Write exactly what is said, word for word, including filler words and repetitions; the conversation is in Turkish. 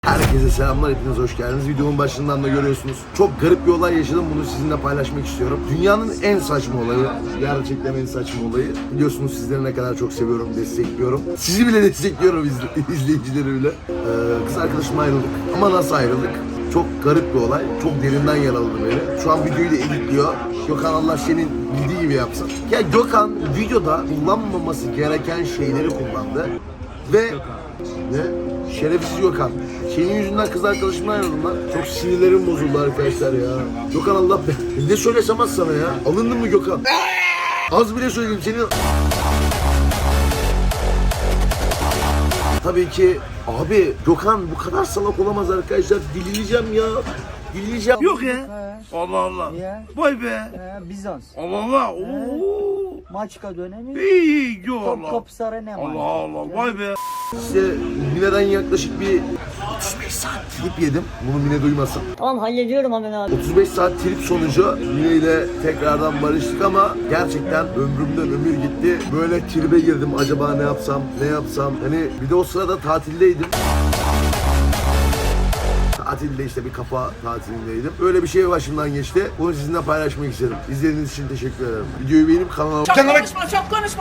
Herkese selamlar, hepiniz hoş geldiniz. Videonun başından da görüyorsunuz. Çok garip bir olay yaşadım, bunu sizinle paylaşmak istiyorum. Dünyanın en saçma olayı, gerçekten en saçma olayı. Biliyorsunuz sizleri ne kadar çok seviyorum, destekliyorum. Sizi bile destekliyorum, izle, izleyicileri bile. Ee, kız arkadaşımla ayrıldık. Ama nasıl ayrıldık? Çok garip bir olay, çok derinden yaraladı beni. Şu an videoyu da editliyor. Gökhan Allah senin bildiği gibi yapsın. Ya Gökhan videoda kullanmaması gereken şeyleri kullandı. Ve ne? Şerefsiz Gökhan. Senin yüzünden kız arkadaşımla ayrıldım lan. Çok sinirlerim bozuldu arkadaşlar ya. Gökhan Allah be. Ne söylesem az sana ya. Alındın mı Gökhan? Az bile söyleyeyim senin. Tabii ki abi Gökhan bu kadar salak olamaz arkadaşlar. Dileyeceğim ya. Dileyeceğim. Yok ya. Allah Allah. Ya. Vay be. Ee, Bizans. Allah Allah. Oo. Maçka dönemi. İyi iyi. Yo Allah. Topkapı Sarayı ne Allah Allah. Vay be. İşte Mine'den yaklaşık bir otuz beş saat trip yedim. Bunu Mine duymasın. Tamam hallediyorum hemen abi. otuz beş saat trip sonucu Mine ile tekrardan barıştık ama gerçekten ömrümden ömür gitti. Böyle tribe girdim, acaba ne yapsam, ne yapsam. Hani bir de o sırada tatildeydim. Tatilde işte bir kafa tatilindeydim. Öyle bir şey başımdan geçti. Bunu sizinle paylaşmak istedim. İzlediğiniz için teşekkür ederim. Videoyu beğenip kanalıma... Çok konuşma, çok konuşma.